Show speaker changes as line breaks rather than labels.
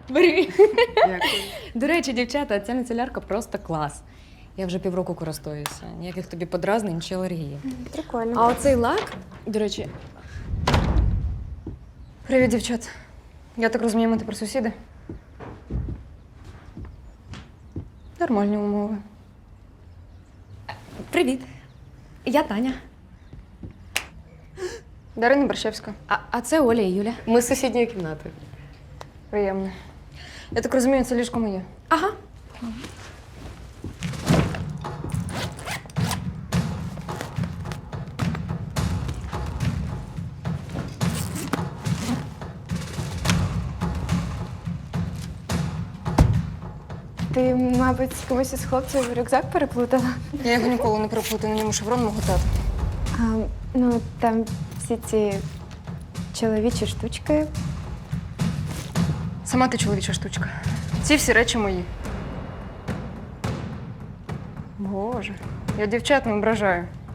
Бери.
Дякую.
До речі, дівчата, ця міцелярка просто клас. Я вже півроку користуюся. Ніяких тобі подразнень чи алергії.
Прикольно.
А оцей лак, до речі. Привіт, дівчат. Я так розумію, ми тепер сусіди. Нормальні умови. Привіт. Я Таня. Дарина Борщевська. А це Оля і Юля.
Ми з сусідньої кімнати.
Приємно. Я так розумію, це ліжко моє. Ага.
Ти, мабуть, з комусь із хлопців рюкзак переплутала.
Я його ніколи не переплутаю, на ньому шеврон мого тата.
Ну, там всі ці чоловічі штучки.
Сама ти чоловіча штучка. Ці всі речі мої. Боже, я дівчат не ображаю.